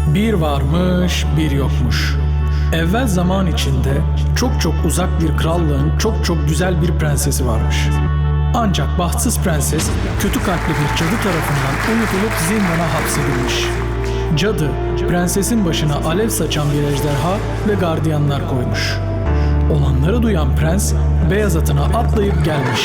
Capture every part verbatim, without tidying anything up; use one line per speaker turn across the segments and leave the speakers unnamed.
Bir varmış, bir yokmuş. Evvel zaman içinde çok çok uzak bir krallığın çok çok güzel bir prensesi varmış. Ancak bahtsız prenses kötü kalpli bir cadı tarafından unutulup zindana hapsedilmiş. Cadı, prensesin başına alev saçan bir ejderha ve gardiyanlar koymuş. Olanları duyan prens, beyaz atına atlayıp gelmiş.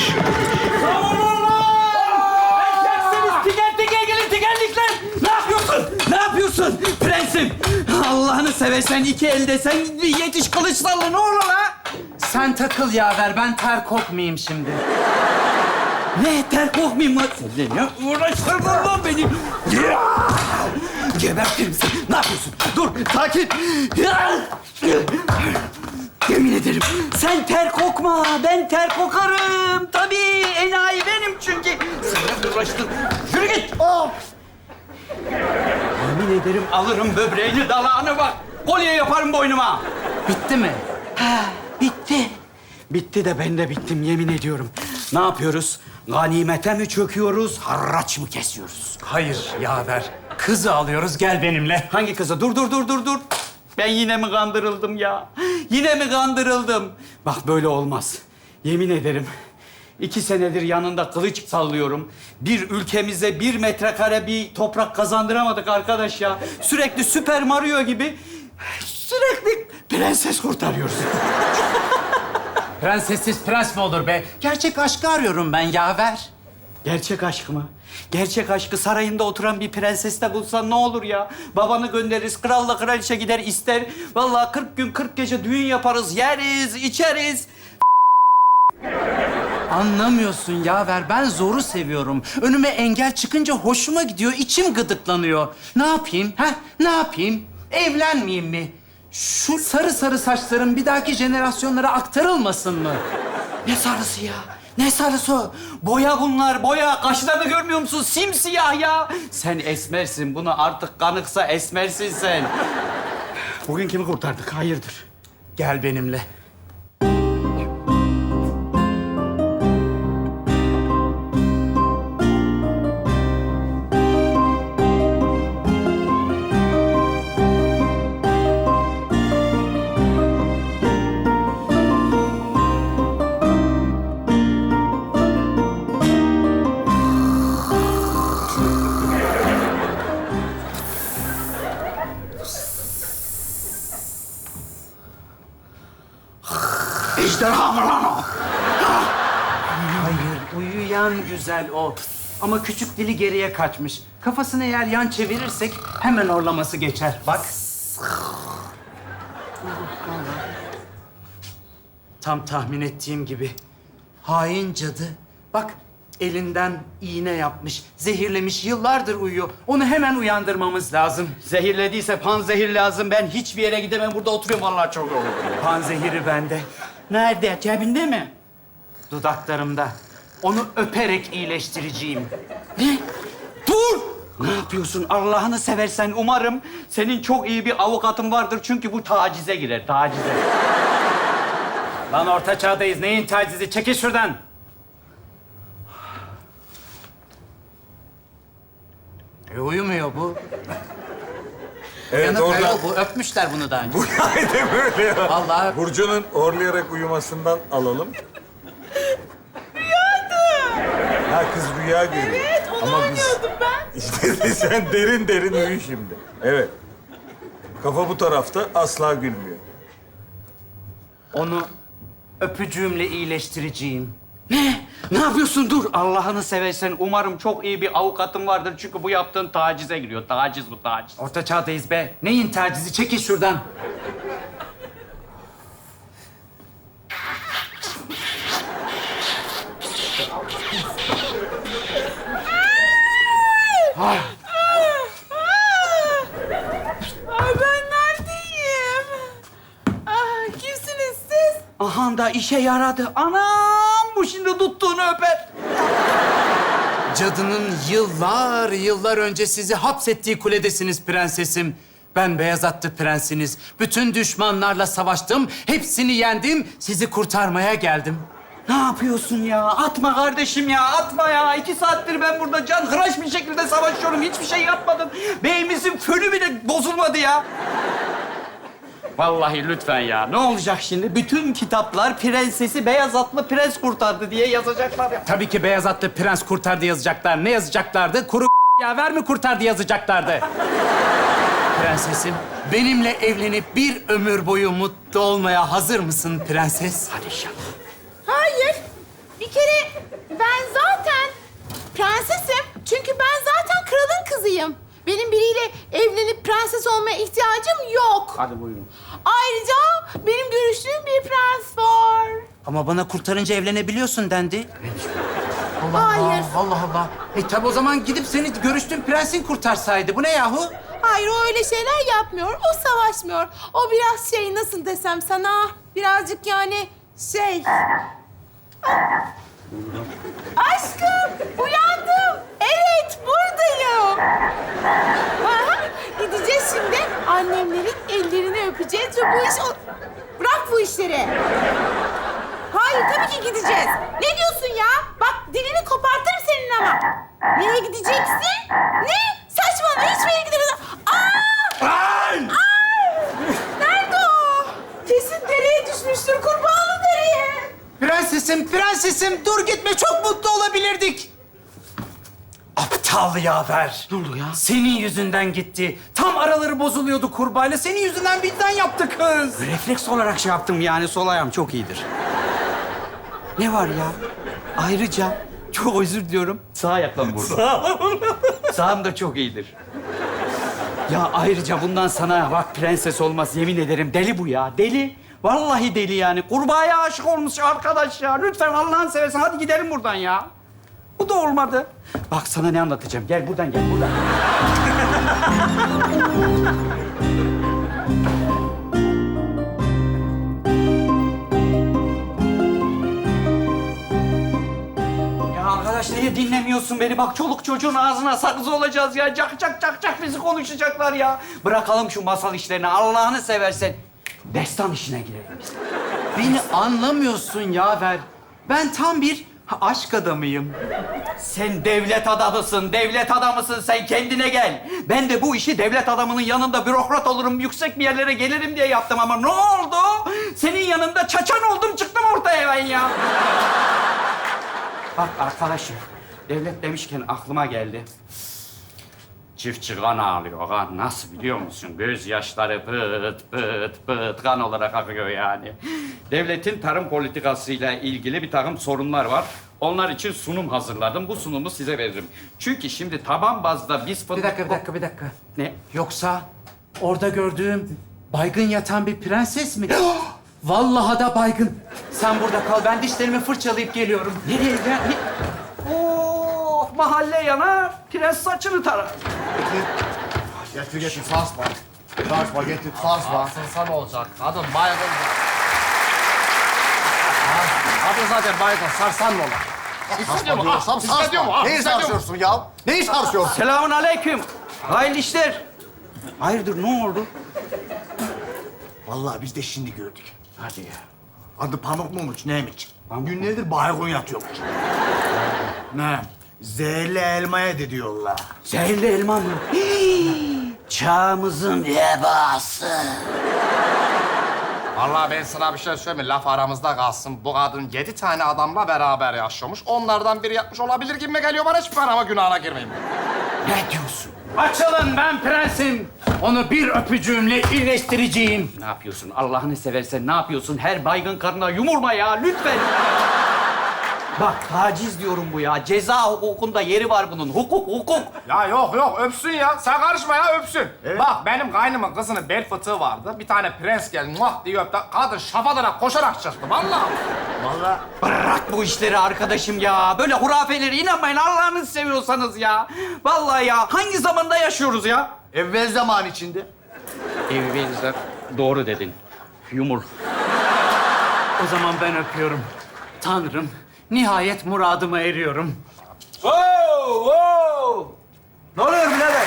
Tiker tiker gelin tikerlikler. Ne yapıyorsun? Ne yapıyorsun prensim? Allah'ını seversen iki elde sen yetiş kılıçlarla ne olur ha?
Sen takıl yaver, ben ter kokmayayım şimdi.
Ne ter korkmayayım lan? Sen ne uğraştırdın lan beni? Ya! Gebertirim seni. Ne yapıyorsun? Dur sakin. Ya! Yemin ederim sen ter kokma. Ben ter kokarım. Tabii enayi benim çünkü. Sen uğraştın. Yürü git. Oh! Yemin ederim alırım böbreğini dalağını bak. Kolye yaparım boynuma.
Bitti mi?
Ha, bitti. Bitti de ben de bittim yemin ediyorum. Ne yapıyoruz? Ganimete mi çöküyoruz, harraç mı kesiyoruz?
Hayır yaver. Kızı alıyoruz, gel benimle.
Hangi kıza? Dur, dur, dur, dur, dur. Ben yine mi kandırıldım ya? Yine mi kandırıldım? Bak böyle olmaz. Yemin ederim. İki senedir yanında kılıç sallıyorum. Bir ülkemize bir metrekare bir toprak kazandıramadık arkadaş ya. Sürekli Süper Mario gibi sürekli prenses kurtarıyoruz.
Prensessiz prens mi olur be? Gerçek aşkı arıyorum ben yaver.
Gerçek aşk mı? Gerçek aşkı sarayında oturan bir prenseste bulsan ne olur ya? Babanı göndeririz, kralla kraliçe gider ister. Vallahi kırk gün kırk gece düğün yaparız, yeriz, içeriz.
Anlamıyorsun yaver, ben zoru seviyorum. Önüme engel çıkınca hoşuma gidiyor, içim gıdıklanıyor. Ne yapayım, ha? Ne yapayım? Evlenmeyeyim mi? Şu sarı sarı saçların bir dahaki jenerasyonlara aktarılmasın mı?
Ne sarısı ya? Ne sarısı? Boya bunlar, boya. Kaşlarını görmüyor musun? Simsiyah ya. Sen esmersin. Bunu artık kanıksa esmersin sen. Bugün kimi kurtardık? Hayırdır?
Gel benimle.
Ejderha mı lan o?
Hayır, uyuyan güzel o. Ama küçük dili geriye kaçmış. Kafasını eğer yan çevirirsek hemen orlaması geçer. Bak. Tam tahmin ettiğim gibi. Hain cadı. Bak, elinden iğne yapmış, zehirlemiş, yıllardır uyuyor. Onu hemen uyandırmamız lazım.
Zehirlediyse panzehir lazım. Ben hiçbir yere gidemem. Burada oturuyorum. Vallahi çok olur.
Panzehiri bende,
Nerede? Cebinde mi?
dudaklarımda. Onu öperek iyileştireceğim.
Ne? Dur! Ne yapıyorsun? Allah'ını seversen umarım senin çok iyi bir avukatın vardır. Çünkü bu tacize girer, tacize.
Lan orta çağdayız. Neyin tacizi? Çekil şuradan. E, uyumuyor bu.
Evet
Yanık
orada
ayol bu. Öpmüşler bunu daha önce.
bu aynen böyle ya.
Vallahi-
Burcu'nun horlayarak uyumasından alalım. Rüyada. Ha kız rüya görüyor.
Evet, onu anlıyordum ben.
İşte sen derin derin uyu şimdi. Evet. Kafa bu tarafta asla gülmüyor.
Onu öpücüğümle iyileştireceğim.
Ne? Ne yapıyorsun? Dur. Allah'ını seversen umarım çok iyi bir avukatın vardır. Çünkü bu yaptığın tacize giriyor. Taciz bu, taciz.
Orta çağdayız be. Neyin tacizi? Çekil şuradan.
Ay ben neredeyim? Ah, kimsiniz siz?
Aha da işe yaradı. Anam bu şimdi tuttuğunu öper.
Cadının yıllar yıllar önce sizi hapsettiği kuledesiniz prensesim. Ben beyaz atlı prensiniz. Bütün düşmanlarla savaştım. Hepsini yendim. Sizi kurtarmaya geldim.
Ne yapıyorsun ya? Atma kardeşim ya, atma ya. İki saattir ben burada can hıraş bir şekilde savaşıyorum. Hiçbir şey yapmadım. Beyimizin fönü bile bozulmadı ya. Vallahi lütfen ya. Ne olacak şimdi? Bütün kitaplar prensesi beyaz atlı prens kurtardı diye yazacaklar ya.
Tabii ki beyaz atlı prens kurtardı yazacaklar. Ne yazacaklardı? Kuru yaver mi kurtardı yazacaklardı. Prensesim, benimle evlenip bir ömür boyu mutlu olmaya hazır mısın prenses?
Hadi inşallah.
Hayır. Bir kere ben zaten prensesim. Çünkü ben zaten kralın kızıyım. Benim biriyle evlenip prenses olmaya ihtiyacım yok.
Hadi buyurun.
Ayrıca benim görüştüğüm bir prens var.
Ama bana kurtarınca evlenebiliyorsun dendi. Allah
Hayır.
Allah, Allah Allah. E tabi o zaman gidip seni görüştüğün prensin kurtarsaydı. Bu ne yahu?
Hayır, o öyle şeyler yapmıyor. O savaşmıyor. O biraz şey, nasıl desem sana, birazcık yani şey... Aşkım, uyandım. Evet, buradayım. Aha, gideceğiz şimdi. Annemlerin ellerini öpeceğiz ve bu iş... O... Bırak bu işleri. Hayır, tabii ki gideceğiz. Ne diyorsun ya? Bak, dilini kopartırım senin ama. Nereye gideceksin? Ne? Saçmalama, hiçbir yere gidemezsin. Aa!
Ay!
Nerede o? Kesin dereye düşmüştür, kurbağalı dereye.
Prensesim, prensesim dur gitme çok mutlu olabilirdik. Aptal yaver.
Ne oldu ya?
Senin yüzünden gitti. Tam araları bozuluyordu kurbağayla. Senin yüzünden birden yaptı kız.
Refleks olarak şey yaptım yani, sol ayağım çok iyidir. Ne var ya? Ayrıca çok özür diliyorum. Sağ ayakla mı vurdum? Sağım da çok iyidir. Ya ayrıca bundan sana bak prenses olmaz, yemin ederim deli bu ya, deli. Vallahi deli yani. Kurbağaya aşık olmuş arkadaş ya. Lütfen Allah'ını seversen hadi gidelim buradan ya. Bu da olmadı. Bak sana ne anlatacağım. Gel buradan gel buradan. Ya arkadaş niye dinlemiyorsun beni? Bak çoluk çocuğun ağzına sakız olacağız ya. Cak cak cak cak bizi konuşacaklar ya. Bırakalım şu masal işlerini Allah'ını seversen. Destan işine girelim biz.
Beni anlamıyorsun yaver. Ben tam bir aşk adamıyım.
Sen devlet adamısın, devlet adamısın. Sen kendine gel. Ben de bu işi devlet adamının yanında bürokrat olurum, yüksek bir yerlere gelirim diye yaptım ama ne oldu? Senin yanında çaçan oldum, çıktım ortaya ben ya. Bak arkadaşım, devlet demişken aklıma geldi. Çiftçi kan ağlıyor, kan. Nasıl biliyor musun? Gözyaşları pıt pıt pıt kan olarak akıyor yani. Devletin tarım politikasıyla ilgili bir takım sorunlar var. Onlar için sunum hazırladım. Bu sunumu size veririm. Çünkü şimdi taban bazda biz fındık...
Bir dakika, bir dakika, bir dakika.
Ne?
Yoksa orada gördüğüm baygın yatan bir prenses mi? Vallahi da baygın. Sen burada kal, ben dişlerimi fırçalayıp geliyorum.
Nereye ya? Ne? Oh, mahalle yanar, prens saçını tarar.
Getir getir sarsma. Sarsma getir sarsma.
Sarsılsa ne olacak? Kadın baygın. Kadın zaten baygın. Sarsan ne olur? Hissediyor mu?
Diyorsam
Ah, hissediyor mu?
sarsma.
Ah,
Neyi
hissediyor mu?
sarsıyorsun ya? Neyi sarsıyorsun?
Selamun aleyküm. Hayırlı işler. Hayırdır, ne oldu?
Vallahi biz de şimdi gördük.
Hadi ya.
Adı Pamuk muymuş neymiş? Günlerdir baygın yatıyormuş. Ne? Zehirli elmaya yedi diyorlar.
Zehirli elma mı? Hii, çağımızın vebası.
Vallahi ben sana bir şey söyleyeyim mi? Laf aramızda kalsın. Bu kadın yedi tane adamla beraber yaşıyormuş. Onlardan biri yapmış olabilir gibi geliyor bana. Hiçbir ama günahına girmeyeyim.
Ne diyorsun?
Açılın, ben prensim. Onu bir öpücüğümle iyileştireceğim.
Ne yapıyorsun? Allah'ını seversen ne yapıyorsun? Her baygın karına yumurma ya, lütfen. Bak taciz diyorum bu ya. Ceza hukukunda yeri var bunun. Hukuk, hukuk.
Ya yok yok öpsün ya. Sen karışma ya öpsün. Bak benim kaynımın kızının bel fıtığı vardı. Bir tane prens geldi muah diye öptü. Kadın şafadıra koşarak çıktı vallahi.
Vallahi
Bırak bu işleri arkadaşım ya. Böyle hurafelere inanmayın Allah'ını seviyorsanız ya. Vallahi ya. Hangi zamanda yaşıyoruz ya?
evvel zaman içinde.
Evvelizler doğru dedin. Yumur.
O zaman ben öpüyorum. Tanrım, nihayet muradıma eriyorum.
Wow, wow. Ne oluyor birader?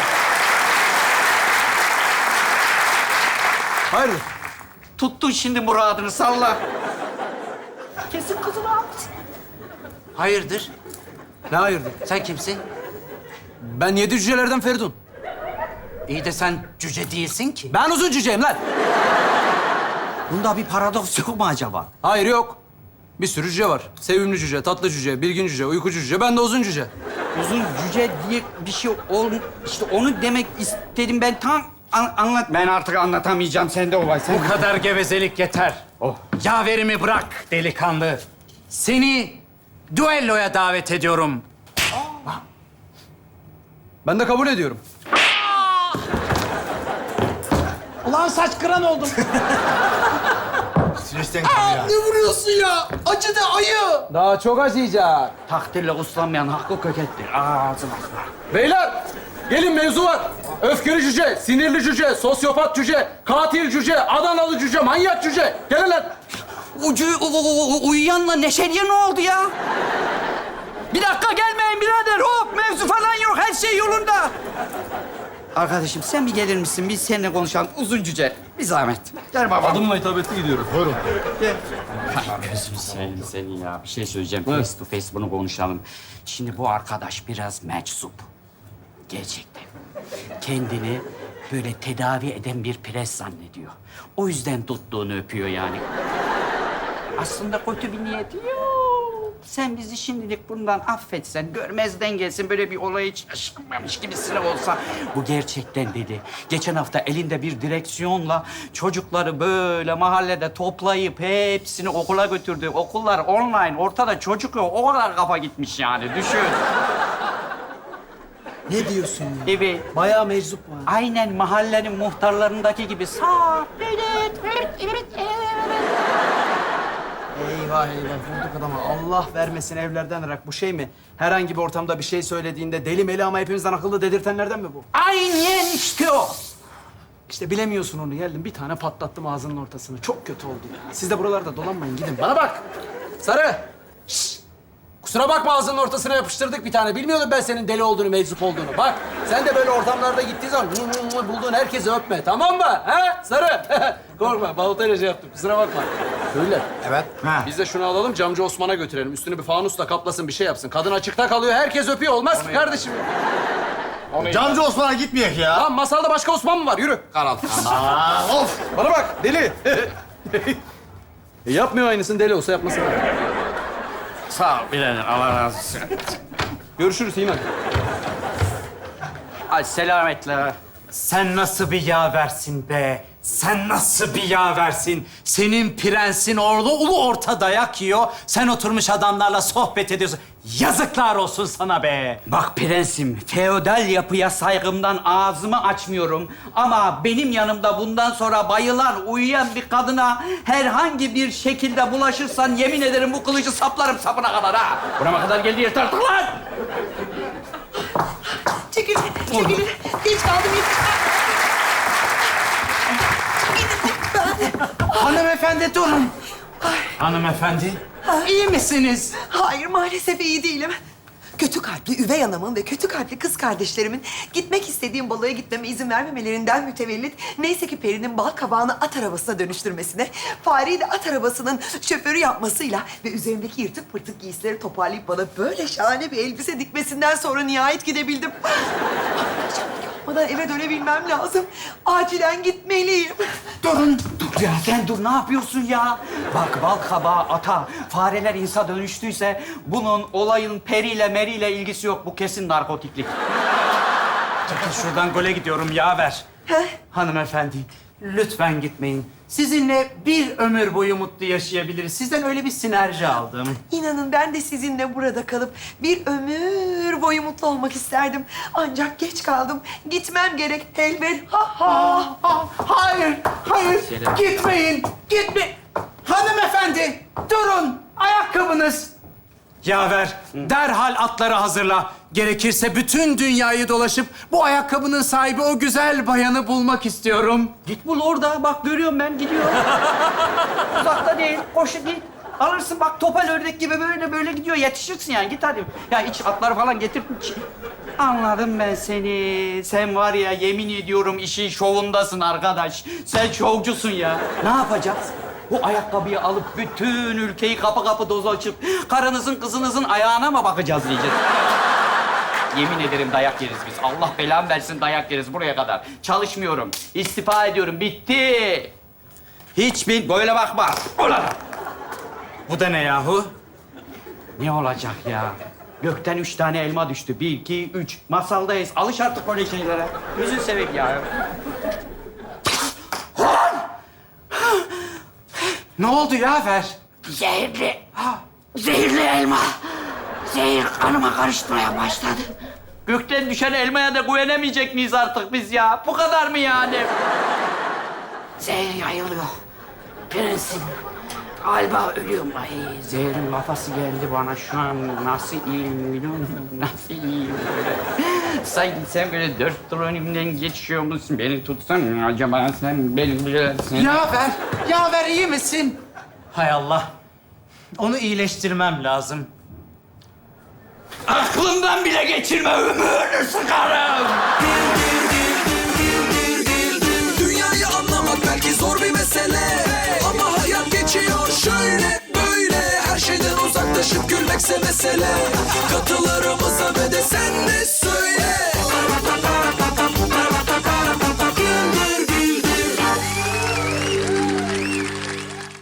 Hayır. Tuttun şimdi muradını salla.
Kesin kızını almış.
Hayırdır?
Ne hayırdır?
Sen kimsin?
Ben yedi cücelerden Feridun.
İyi de sen cüce değilsin ki.
Ben uzun cüceyim lan.
Bunda bir paradoks yok mu acaba?
Hayır yok. Bir sürü cüce var. Sevimli cüce, tatlı cüce, bilgin cüce, uyku cüce. Ben de uzun cüce.
Uzun cüce diye bir şey ol... İşte onu demek istedim ben tam an- anlat. Ben artık anlatamayacağım. Sende olay. Sen...
Bu kadar gevezelik yeter.
Oh.
Yaverimi bırak delikanlı. Seni düelloya davet ediyorum.
Ben de kabul ediyorum.
Ulan saç kıran oldum.
Stresten tabii ya.
Ne vuruyorsun ya? Acıdı ayı.
Daha çok acıyacak.
Takdirle uslanmayan hakkı kökettir. Ağzına.
Beyler, gelin mevzu var. Öfkeli cüce, sinirli cüce, sosyopat cüce, katil cüce, Adanalı cüce, manyak cüce. Gelin lan.
Ucu u- u- u- uyuyanla Neşeli'ye ne oldu ya? Bir dakika gelmeyin birader. Hop mevzu falan yok. Her şey yolunda. Arkadaşım sen bir gelir misin? Biz seninle konuşalım. Uzun cüce. Bir zahmet. Gel baba.
Adımla hitabetli gidiyorum. Buyurun.
Gözünü seveyim seni ya. Bir şey söyleyeceğim. Face to face bunu konuşalım. Şimdi bu arkadaş biraz meczup. Gerçekten. Kendini böyle tedavi eden bir pres zannediyor. O yüzden tuttuğunu öpüyor yani. Aslında kötü bir niyeti yok. Sen bizi şimdilik bundan affetsen, görmezden gelsin, böyle bir olay hiç yaşanmamış gibisine olsa. Bu gerçekten dedi. Geçen hafta elinde bir direksiyonla çocukları böyle mahallede toplayıp hepsini okula götürdü. Okullar online, ortada çocuk yok. O kadar kafa gitmiş yani, düşün.
Ne diyorsun ya?
Evet.
Bayağı meczup var.
Aynen mahallenin muhtarlarındaki gibi sağ, evet, evet, evet, evet.
Eyvah eyvah vurduk adama. Allah vermesin evlerden ırak. Bu şey mi? Herhangi bir ortamda bir şey söylediğinde deli meli ama hepimizden akıllı dedirtenlerden mi bu?
Aynen işte o.
İşte bilemiyorsun onu. Geldim bir tane patlattım ağzının ortasını. Çok kötü oldu ya. Siz de buralarda dolanmayın gidin. Bana bak. Sarı. Şşş. Kusura bakma ağzının ortasına yapıştırdık bir tane. Bilmiyordum ben senin deli olduğunu, meczup olduğunu. Bak sen de böyle ortamlarda gittiğin zaman hı hı hı bulduğun herkesi öpme. Tamam mı? He? Sarı. Korkma. Balotayla şey yaptım. Kusura bakma. Söyle.
Evet. Ha.
Biz de şunu alalım, camcı Osman'a götürelim. Üstünü bir fanusla kaplasın, bir şey yapsın. Kadın açıkta kalıyor, herkes öpüyor. Olmaz ki kardeşim.
Camcı Osman'a gitmeyek ya.
Lan masalda başka Osman mı var? Yürü. Karal.
Aa, of.
Bana bak, deli. e, yapmıyor aynısını, deli olsa yapmasın.
Sağ ol birader, Allah razı olsun.
Görüşürüz İman.
Ay selametle.
Sen nasıl bir yaversin be? Sen nasıl bir yaversin? Senin prensin orada ulu orta dayak yiyor. Sen oturmuş adamlarla sohbet ediyorsun. Yazıklar olsun sana be.
Bak prensim, feodal yapıya saygımdan ağzımı açmıyorum. Ama benim yanımda bundan sonra bayılan, uyuyan bir kadına herhangi bir şekilde bulaşırsan yemin ederim bu kılıcı saplarım sapına kadar ha. Burama kadar geldi yeter artık lan.
Çekil, çekil. Geç kaldım.
Hanımefendi durun. Hanımefendi, iyi misiniz?
Hayır, maalesef iyi değilim. Kötü kalpli üvey anamın ve kötü kalpli kız kardeşlerimin gitmek istediğim balığa gitmeme izin vermemelerinden mütevellit neyse ki Peri'nin bal kabağını at arabasına dönüştürmesine, Fareyi de at arabasının şoförü yapmasıyla ve üzerimdeki yırtık pırtık giysileri toparlayıp bana böyle şahane bir elbise dikmesinden sonra nihayet gidebildim. Akşam yapmadan eve dönebilmem lazım. Acilen gitmeliyim.
Durun. Dur ya sen dur ne yapıyorsun ya? Bak bal kabağı ata, fareler insa dönüştüyse bunun olayın periyle meriyle ilgisi yok. Bu kesin narkotiklik.
Çekil şuradan, gole gidiyorum yaver.
Heh.
Hanımefendi, lütfen gitmeyin. Sizinle bir ömür boyu mutlu yaşayabiliriz. Sizden öyle bir sinerji aldım.
İnanın ben de sizinle burada kalıp bir ömür boyu mutlu olmak isterdim. Ancak geç kaldım. Gitmem gerek. Elbet. Ha ha.
Ah, hayır, hayır.
Selam.
Gitmeyin, gitme. Hanımefendi, durun. Ayakkabınız. Yaver, derhal atları hazırla. Gerekirse bütün dünyayı dolaşıp bu ayakkabının sahibi o güzel bayanı bulmak istiyorum.
Git bul orada. Bak görüyorum ben gidiyor. Uzakta değil. Koşu git. Alırsın bak topal ördek gibi böyle böyle gidiyor. Yetişirsin yani. Git hadi. Ya iç atları falan getir. Anladım ben seni. Sen var ya yemin ediyorum işin şovundasın arkadaş. Sen şovcusun ya. Ne yapacağız? Bu ayakkabıyı alıp bütün ülkeyi kapı kapı dolaşıp karınızın kızınızın ayağına mı bakacağız diyeceğiz. Yemin ederim dayak yeriz biz. Allah belamı versin dayak yeriz buraya kadar. Çalışmıyorum. İstifa ediyorum. Bitti. Hiç bin... Böyle bakma. Ulan!
Bu da ne yahu?
Ne olacak ya? Gökten üç tane elma düştü. Bir, iki, üç. Masaldayız. Alış artık böyle şeylere. Yüzün sevek ya.
Ne oldu yaver?
Zehirli. Zehirli elma. Zehir kanıma karışmaya başladı. Gökten düşen elmaya da güvenemeyecek miyiz artık biz ya? Bu kadar mı yani? Zehir yayılıyor. Prensim. Galiba ölüyorum. Ay zehirin kafası geldi bana şu an. Nasıl iyiyim biliyor musun? Nasıl iyiyim böyle. Sanki sen böyle dört tur önümden geçiyor musun? Beni tutsan mı acaba sen beni bilirsin.
Yaver, yaver iyi misin? Hay Allah. Onu iyileştirmem lazım.
Aklımdan bile geçirme ömrünü sıkarım.
Dünyayı anlamak belki zor bir mesele, ama hayat geçiyor şöyle böyle. Her şeyden uzaklaşıp gülmekse mesele. Katılarımıza ve de sen de söyle.